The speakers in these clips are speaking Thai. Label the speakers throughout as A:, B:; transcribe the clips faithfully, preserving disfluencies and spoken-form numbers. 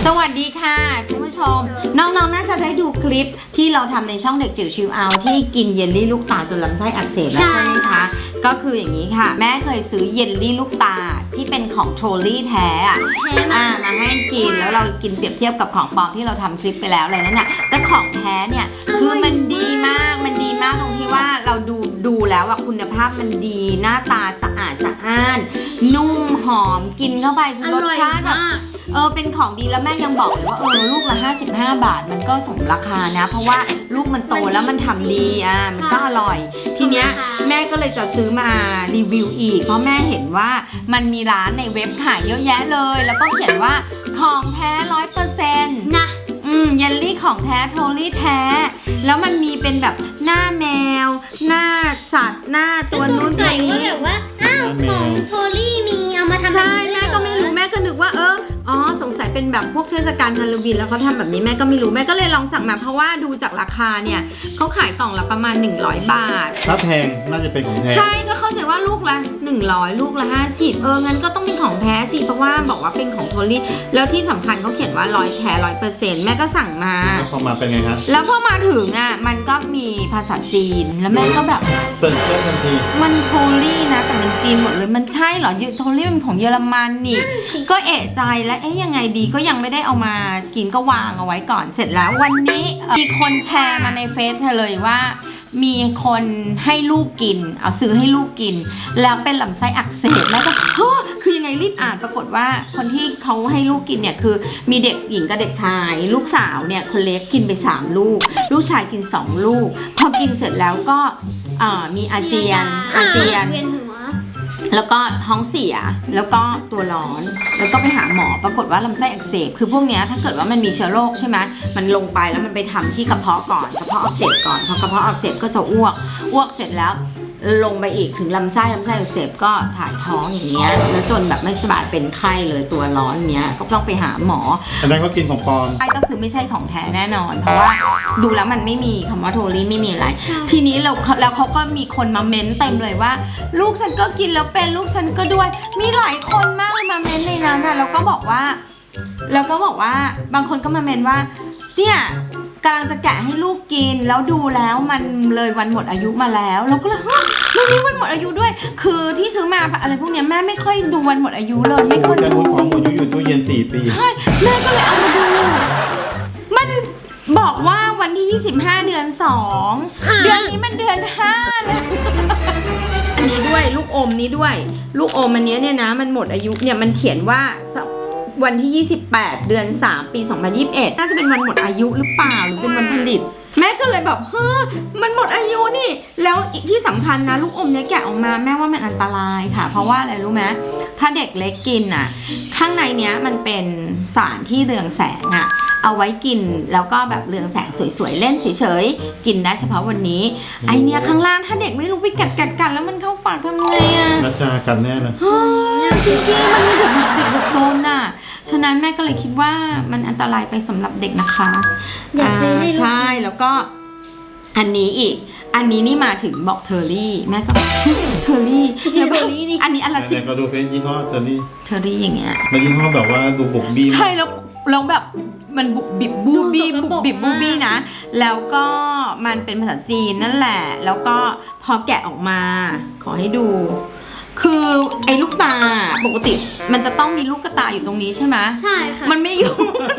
A: สวัสดีค่ะคุณผู้ชมน้องๆน่าจะได้ดูคลิปที่เราทำในช่องเด็กจิ๋วชิลเอาที่กินเยลลี่ลูกตาจนลำไส้อักเสบแล้วใช่ไหมคะก็คืออย่างนี้ค่ะแม่เคยซื้อเยลลี่ลูกตาที่เป็นของโทลี่แท้อะอ่ามาให้กินแล้วเรากินเปรียบเทียบกับของปลอมที่เราทำคลิปไปแล้วอะไรนั่นน่ะแต่ของแท้เนี่ยคือมันดีมากมันดีมากตรงที่ว่าเราดูดูแล้วอะคุณภาพมันดีหน้าตาสะอาดสะอ้านนุ่มหอมกินเข้าไปคือรสชาติแบบเออเป็นของดีแล้วแม่ยังบอกเลยว่าเออลูกละห้าสิบห้าบาทมันก็สมราคานะเพราะว่าลูกมันโตแล้วมันทำดีอ่ะมันก็อร่อยทีเนี้ยแม่ก็เลยจะซื้อมารีวิวอีกเพราะแม่เห็นว่ามันมีร้านในเว็บขายเยอะแยะเลยแล้วก็เขียนว่าของแท้ร้อยเปอร์เซ็นต์นะอืมเยลลี่ของแท้โทลี่แท้แล้วมันมีเป็นแบบหน้าแมวหน้าสัตว์หน้าตัวนู้นตัวนี้
B: แบบว่าอ้าวของโทลี่มีเอามาทำ
A: ใช่แม่ก็ไม่รู้แม่ก็นึกว่าเอออ๋อสงสัยเป็นแบบพวกเทศกาลฮาโลวีนแล้วเขาทำแบบนี้แม่ก็ไม่รู้แม่ก็เลยลองสั่งมาเพราะว่าดูจากราคาเนี่ยเขาขายกล่องละประมาณหนึ่งร้อยบาท
C: ถ้าแพงน่าจะเป็นของแท้
A: ใช่ก็เข้าใจว่าลูกละหนึ่งร้อยลูกละห้าสิบเอองั้นก็ต้องเป็นของแท้สิเพราะว่าบอกว่าเป็นของโทลี่แล้วที่สำคัญเขาเขียนว่าร้อยแท้ร้อยเปอร์เซ็นต์แม่ก็สั่งมา
C: แล้วพอมาเป็นไงครับ
A: แล้วพอมาถึงอ่ะมันก็มีภาษาจีนแล้วแม่ก็แบบ
C: เปิดเครื่องทันที
A: มันโทลี่นะแต่มันจีนหมดเลยมันใช่เหรอโทลี่มันของเยอรมันนี่ก็เอะใจแล้วเอ๊ยยังไงดีก็ยังไม่ได้เอามากินก็วางเอาไว้ก่อนเสร็จแล้ววันนี้มีคนแชร์มาในเฟซเธอเลยว่ามีคนให้ลูกกินเอาซื้อให้ลูกกินแล้วเป็นลำไส้อักเสบแล้วก็เฮ้อคือยังไงรีบอ่านปรากฏว่าคนที่เขาให้ลูกกินเนี่ยคือมีเด็กหญิงกับเด็กชายลูกสาวเนี่ยคนเล็กกินไปสามลูกลูกชายกินสองลูกพอกินเสร็จแล้วก็มีอาเจียนอาเจียนแล้วก็ท้องเสียแล้วก็ตัวร้อนแล้วก็ไปหาหมอปรากฏว่าลำไส้อักเสบคือพวกเนี้ยถ้าเกิดว่ามันมีเชื้อโรคใช่ไหมมันลงไปแล้วมันไปทำที่กระเพาะก่อนกระเพาะอักเสบก่อนพอกระเพาะอักเสบก็จะอ้วกอ้วกเสร็จแล้วลงไปอีกถึงลำไส้ลำไส้อักเสบก็ถ่ายท้องอย่างเงี้ยแล้วจนแบบไม่สบายเป็นไข้เลยตัวร้อนเนี้ยก็ต้องไปหาหมอ
C: อันนั้นก็กินของปลอม
A: ใช่ก็คือไม่ใช่ของแท้แน่นอนเพราะว่าดูแล้วมันไม่มีคำว่าโทลี่ไม่มีอะไรทีนี้เราแล้วเขาก็มีคนมาเม้นเต็มเลยว่าลูกฉันก็กินแล้วเป็นลูกฉันก็ด้วยมีหลายคนมากเลยมาเม้นในนั้นนะแล้วก็บอกว่าแล้วก็บอกว่าบางคนก็มาเม้นว่าเนี่ยกำลังจะแกะให้ลูกกินแล้วดูแล้วมันเลยวันหมดอายุมาแล้วเราก็เลยเฮ้ยมันมีวันหมดอายุด้วยคือที่ซื้อมาอะไรพวกเนี้ยแม่ไม่ค่อยดูวันหมดอายุเลยไม่ค่อยดู
C: ของหมดอายุอยู่ตู้เย็นสี่ปี
A: ใช่แม่ก็เลยเอามาดูมันบอกว่าวันที่ยี่สิบห้าเดือนสองเดือนนี้มันเดือนห้าเลยอันนี้ด้วยลูกอมนี้ด้วยลูกอมอันนี้เนี่ยนะมันหมดอายุเนี่ยมันเขียนว่าวันที่ยี่สิบแปดเดือนสามปีสองพันยี่สิบเอ็ดน่าจะเป็นวันหมดอายุหรือเปล่าหรือเป็นวันผลิตแม่ก็เลยแบบเฮ้อมันหมดอายุนี่แล้วที่สำคัญนะลูกอมเนี้ยแกะออกมาแม่ว่ามันอันตรายค่ะเพราะว่าอะไรรู้ไหมถ้าเด็กเล็กกินอ่ะข้างในเนี้ยมันเป็นสารที่เรืองแสงอ่ะเอาไว้กินแล้วก็แบบเรืองแสงสวยๆเล่นเฉยๆกินได้เฉพาะวันนี้ไอเนี้ยข้างล่างถ้าเด็กไม่รู้ไปกัดกัดกันแล้วมันเข้าปากทำไงอ่ะ
C: นัชชากันแน่เลย
A: จริงๆมันมีเด็กเด็กแบบโซนน่ะฉะนั้นแม่ก็เลยคิดว่ามันอันตรายไปสำหรับเด็กนะคะ
B: อย่าซื้อให้ลูก
A: ใช่แล้วก็อันนี้อีกอันนี้นี่มาถึงบอกเทอร์รี่แม่ก็เทอร์รี่อันนี้อันละสิบ
C: ก็ดูเฟซยี่ห้อเทอร์รี่
A: เทอร์รี่อย่างเงี้ย
C: มันยี่ห้อแบบว่าดูบุบบี้
A: ใช่แล้วแล้วแบบมันบุบบิบบูบี้บุบบิบบูบี้นะแล้วก็มันเป็นภาษาจีนนั่นแหละแล้วก็พอแกะออกมาขอให้ดูคือไอ้ลูกตาปกติมันจะต้องมีลูกกระตาอยู่ตรงนี้ใช่ไหม
B: ใช่ค่ะ
A: มันไม่อยู่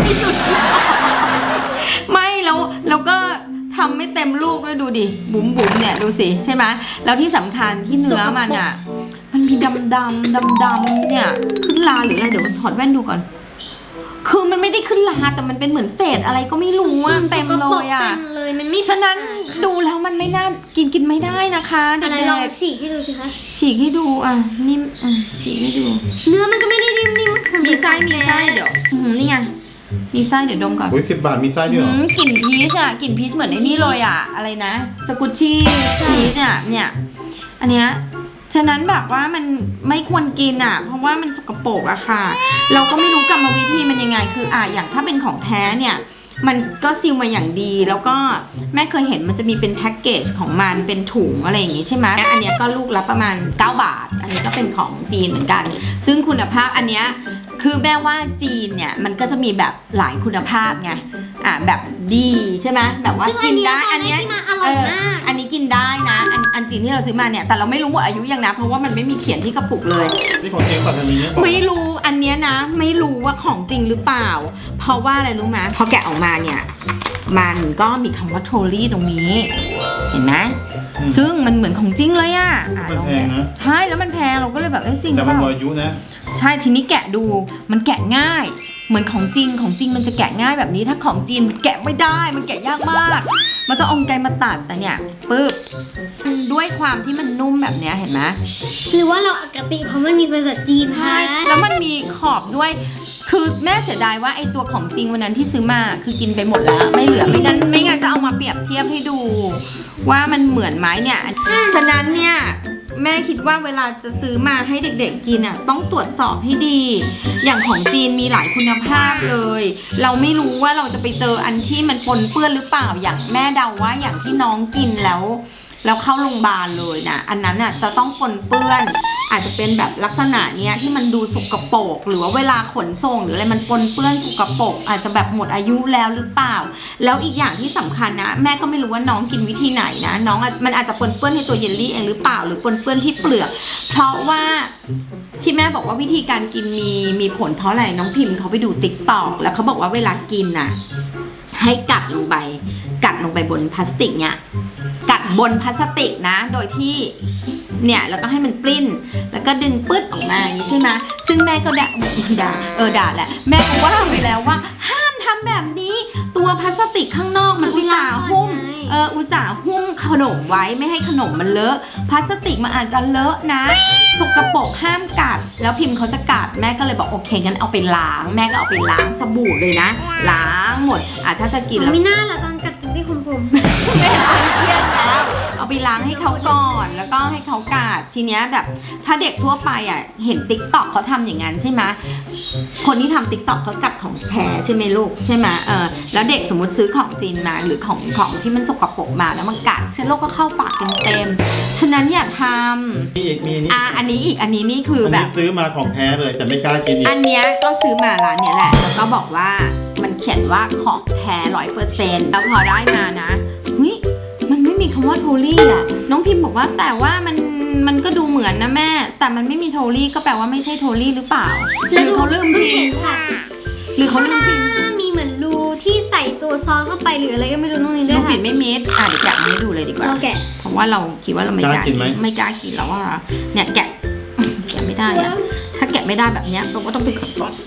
A: ไม่แล้วแล้วก็ทำไม่เต็มลูกด้วยดูดิบุ๋มบุ๋มเนี่ยดูสิใช่ไหมแล้วที่สำคัญที่เนื้อมันอ่ะมันมีดำดำดำดำเนี่ยขึ้นลาหรืออะไรเดี๋ยวถอดแว่นดูก่อนคือมันไม่ได้ขึ้นลาแต่มันเป็นเหมือนเศษอะไรก็ไม่รู้อ่ะเต็มเลยอ่ะฉะนั้นดูแล้วมันไม่น่ากินกินไม่ได้นะคะเด็กๆ
B: ลองฉีกให้ดูสิคะ
A: ฉีกให้ดูอ่ะนิ่มอ่ะฉีกให้ดู
B: เนื้อมันก็ไม่ได้นิ่มนิ่มมันคือ
A: มีไส้มีไส้เดี๋ยวนี่ไงมีไส้เดี๋ยวดมก่อน
C: โอ้ยสิบบาทมีไส้ด้วยเหรอก
A: ลิ่นพีชอ่ะกลิ่นพีชเหมือนไอ้นี่เลยอ่ะอะไรนะสกุชชี่พีชอ่ะเนี่ยอันเนี้ยฉะนั้นแบบว่ามันไม่ควรกินอ่ะเพราะว่ามันสกปรกอะค่ะเราก็ไม่รู้กรรมวิธีมันยังไงคืออ่ะอย่างถ้าเป็นของแท้เนี่ยมันก็ซีลมาอย่างดีแล้วก็แม่เคยเห็นมันจะมีเป็นแพ็กเกจของมันเป็นถุงอะไรอย่างงี้ใช่ไหมอันเนี้ยก็ลูกละประมาณเก้าบาทอันนี้ก็เป็นของจีนเหมือนกันซึ่งคุณภาพอันเนี้ยคือแม่ว่าจีนเนี่ยมันก็จะมีแบบหลายคุณภาพไงอ่ะแบบดีใช่ไหมแบบว่า
B: ซึ่ง
A: กินได้
B: อั
A: อั
B: น
A: น
B: เนี้
A: เนี้
B: ย
A: ย
B: ที่มาอร่อยมาก
A: อันนี้กินได้นะอันอันจีนที่เราซื้อมาเนี่ยแต่เราไม่รู้หมดอายุยังนะเพราะว่ามันไม่มีเขียนที่กระปุกเลย
C: นี่ของจริงป่ะทำไมเนี่ยบอก
A: ไม่รู้อันเนี้ยนะไม่รู้ว่าของจริงหรือเปล่า เพราะว่าอะไรรู้ไหมพอแกะออกมาเนี่ยมันก็มีคำว่าโทลี่ตรงนี้ เห็นไหมซึ่งมันเหมือนของจริงเลยอะอ่ะ
C: มัน
A: ลอง
C: แพง
A: แกะ
C: นะ
A: ใช่แล้วมันแพงเราก็เลยแบบเอ้ยจริงหรื
C: แต่
A: อเป
C: มัน
A: ล่า
C: หมดอายุนะ
A: ใช่ทีนี้แกะดูมันแกะง่าย เหมือนของจริงของจริงมันจะแกะง่ายแบบนี้ถ้าของจีนมันแกะไม่ได้มันแกะยากมากมันต้องเอาไกลมาตัดแต่เนี่ยปึ๊บด้วยความที่มันนุ่มแบบเนี้ยเห็นไหม
B: หรือว่าเราอคติเพราะมันมีภาษาจีน
A: ใช่
B: คะ
A: แล้วมันมีขอบด้วย คือแม่เสียดายว่าไอ้ตัวของจริงวันนั้นที่ซื้อมาคือกินไปหมดแล้ว ไม่เหลือไม่งั้นไม่งั้นจะเอามาเปรียบเทียบให้ดู ว่ามันเหมือนไหมเนี่ย ฉะนั้นเนี่ยแม่คิดว่าเวลาจะซื้อมาให้เด็กๆกินอ่ะต้องตรวจสอบให้ดี อย่างของจีนมีหลายคุณภาพเลย เราไม่รู้ว่าเราจะไปเจออันที่มันปนเปื้อนหรือเปล่า อย่างแม่เดาว่าอย่างที่น้องกินแล้วแล้วเข้าโรงพยาบาลเลยนะอันนั้นอ่ะจะต้องปนเปื้อน อาจจะเป็นแบบลักษณะเนี้ยที่มันดูสกปรกหรือว่าเวลาขนส่งหรืออะไรมันปนเปื้อนสกปรกอาจจะแบบหมดอายุแล้วหรือเปล่า แล้วอีกอย่างที่สำคัญนะแม่ก็ไม่รู้ว่าน้องกินวิธีไหนนะน้องอาจมันอาจจะปนเปื้อนในตัวเยลลี่เองหรือเปล่าหรือปนเปื้อนที่เปลือก เพราะว่าที่แม่บอกว่าวิธีการกินมีมีผลเพราะอะไรน้องพิมพ์เขาไปดูติ๊กต็อกแล้วเขาบอกว่าเวลากินน่ะให้กัดลงไปกัดลงไปบนพลาสติกเนี่ยกัดบนพลาสติกนะโดยที่เนี่ยแล้วก็ให้มันปลิ้นแล้วก็ดึงปึ๊ดออกมาอย่างนี้ใช่ไหมซึ่งแม่ก็ด่าด่าเออด่าแหละแม่ก็ว่าไปแล้วว่าห้ามทำแบบนี้ตัวพลาสติกข้างนอกมันอุตส่าห์หุ้มเอออุตส่าห์หุ้มขนมไว้ไม่ให้ขนมมันเลอะพลาสติกมันอาจจะเลอะนะสกปรกห้ามกัดแล้วพิมพ์เขาจะกัดแม่ก็เลยบอกโอเคงั้นเอาไปล้างแม่ก็เอาไปล้างสบู่เลยนะล้างหมดอ่ะถ้าจะกินแล้ว
B: ไม่น่าละตอนกัดถึงที่ผมผม
A: ไม่เห็นคนเครียดแล้วเอาไปล้างให้เขาก่อนแล้วก็ให้เขากาดทีเนี้ยแบบถ้าเด็กทั่วไปอ่ะเห็นติ๊กต็อกเขาทำอย่างนั้นใช่ไหมคนที่ทำติ๊กต็อกเขากัดของแท้ใช่ไหมลูกใช่ไหมเออแล้วเด็กสมมติซื้อของจีนมาหรือของของที่มันสกปรกมาแล้วมันกัดเชื้อโรคก็เข้าปากเต็มๆฉะนั้นอย่าท
C: มีอีกมีนี่
A: ำอ่ะอันนี้อีกอันนี้นี่คือ
C: อัน
A: แบ
C: นี้
A: บ
C: ซื้อมาของแท้เลยแต่ไม่กล้ากินอีก
A: อันเนี้ยก็ซื้อมาร้านเนี้ยแหละแล้วก็บอกว่ามันเขียนว่าของแท้ร้อยเปอร์เซ็นต์แล้วพอได้มานะเฮ้ยมันไม่มีคำว่าโทลี่อ่ะน้องพิมพ์บอกว่าแต่ว่ามันมันก็ดูเหมือนนะแม่ แต่มันไม่มีโทลี่ก็แปลว่าไม่ใช่โทลี่หรือเปล่าหรือเขาลืมพิมพ์
B: ค่ะ
A: หรือเขาลืมพิมพ์
B: มีเหมือนรูที่ใส่ตัวซอสเข้าไปหรืออะไรก็ไม่รู้ตรงนี้ด้
A: ลู
B: วย
A: ก
B: ค่ะ
A: ปิดไม่มิดอ่ะเดี๋ยวแกะมาให้ดูเลยดีกว่า
B: เราแกะ
A: เพราะว่าเราคิดว่าเราไม่กล้ากินไม่กล้ากินแล้วว่าเนี่ยแกะแกะไม่ได้อะถ้าแกะไม่ได้แบบเนี้ยเราก็ต้องไปขอโทษ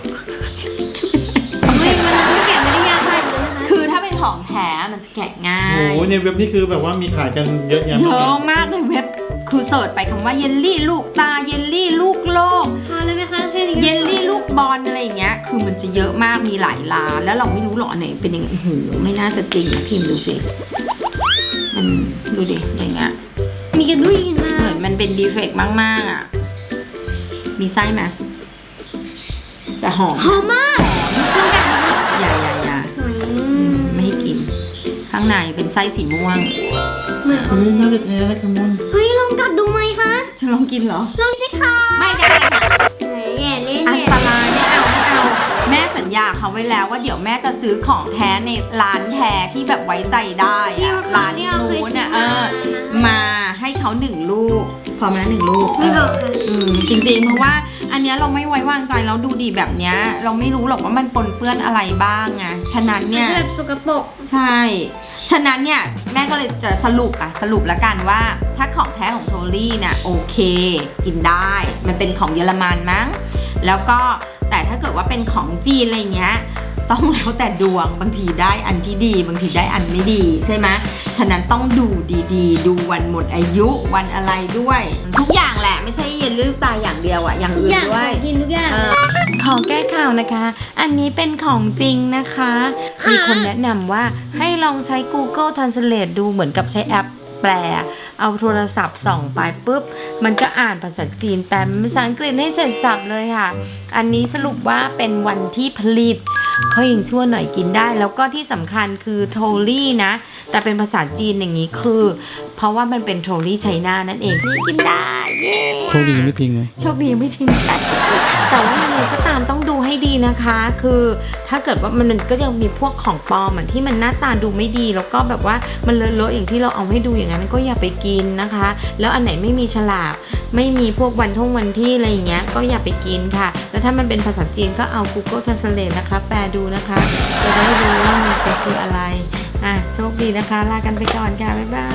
B: ไม่มันไม่แกะไม่ได้ยากขนาดนั้นนะคะ
A: คือถ้าเป็นของแท้มันจะแกะง่า
C: โอ้
A: ย
C: โหในเว็บนี่คือแบบว่ามีขายกันเยอะแยะ
A: เย
C: มาก
A: อะมากในเว็บคือเสิร์ชไปคำว่าเยลลี่ลูกตาเยลลี่ลูกโลก
B: พอเลยไหมคะแค่นี้
A: เยลลี่ลูกบอลอะไรอย่างเงี้ยคือมันจะเยอะมากมีหลายร้านแล้วเราไม่รู้หรอกอันไหนเป็นยังไงโอ้โหไม่น่าจะจริงนะพิมพ์ดูสิมันดูดิอย่างเงี้ย
B: มีกระดุยขึ้นมา
A: เหมือนมันเป็นดีเฟกต์มากๆอ่ะมีไส้ไหมแต่หอม
B: หอมมากเครื่องแกะ
A: อย่าอย่าอย่า
B: อื
A: อืม
B: ม
A: ไม่ให้กิน ข้างในเป็นไส้สีม่วง
B: เหมือน
C: เฮ้ยน่าจะแท้นะคัมมอน
B: เฮ้ยลองกัดดูไหมคะ
A: จะลองกินเหรอ
B: ลองสิค่ะ
A: ไม่ได้ค่ะ
B: แหมแย่เล่น
A: อัน
B: แย่
A: ตรายไม่เอาไม่เอา แม่สัญญาเขาไว้แล้วว่าเดี๋ยวแม่จะซื้อของแท้ในร้านแท้ที่แบบไว้ใจได้อะร้านนู้นอ่ะเออ มาให้เขาหนึ่งลูก พอไหมหนึ่งลูก
B: ไม่หรอกค่ะ
A: อืมจริงๆเพราะว่าอันเนี้ยเราไม่ไว้วางใจแล้วดูดีแบบเนี้ยเราไม่รู้หรอกว่ามันปนเปื้อนอะไรบ้างไงฉะนั้น
B: มัน
A: เนี่ย
B: จะแบบสกปรก
A: ใช่ ฉะนั้นเนี่ยแม่ก็เลยจะสรุปอะสรุปแล้วกันว่าถ้าของแท้ของโทลี่เนี่ยโอเค กินได้ มันเป็นของเยอรมันมั้งแล้วก็แต่ถ้าเกิดว่าเป็นของจีนอะไรเงี้ยต้องแล้วแต่ดวงบางทีได้อันที่ดี บางทีได้อันไม่ดีใช่ไหมฉะนั้นต้องดูดีๆ ดูวันหมดอายุวันอะไรด้วย ทุกอย่างแหละไม่ใช่เย็นลูกตาอย่างเดียวอะอย่าง
B: ทุก
A: อื่น
B: อย่าง
A: ด้วย
B: กินทุกอย่าง
A: เออขอแก้ข่าวนะคะ อันนี้เป็นของจริงนะคะ มีคนแนะนำว่าให้ลองใช้ Google Translate ดูเหมือนกับใช้แอปแปล เอาโทรศัพท์ส่องไปปุ๊บ มันก็อ่านภาษาจีนแปลเป็นภาษาอังกฤษให้เสร็จสับเลยค่ะ อันนี้สรุปว่าเป็นวันที่ผลิตเขายังชั่วหน่อยกินได้ แล้วก็ที่สำคัญคือโทลี่นะแต่เป็นภาษาจีนอย่างนี้คือ เพราะว่ามันเป็นโทลี่ไชน่านั่นเองนี่กินได้เย้
C: โชคดีไม่ทิ้งเลย
A: โชคดีไม่ทิ้งใจแต่ว่ายังไงก็ตามต้องดูให้ดีนะคะ คือถ้าเกิดว่ามันก็ยังมีพวกของปลอมอะที่มันหน้าตาดูไม่ดีแล้วก็แบบว่ามันเลอะๆอย่างที่เราเอาให้ดูอย่างนั้นก็อย่าไปกินนะคะ แล้วอันไหนไม่มีฉลากไม่มีพวกวันท่องวันที่อะไรอย่างเงี้ยก็อย่าไปกินค่ะ แล้วถ้ามันเป็นภาษาจีนก็เอา Google Translate นะคะแปลดูนะคะจะได้รู้ว่ามันเป็นคืออะไรอ่ะโชคดีนะคะลากันไปก่อนค่ะบ๊ายบาย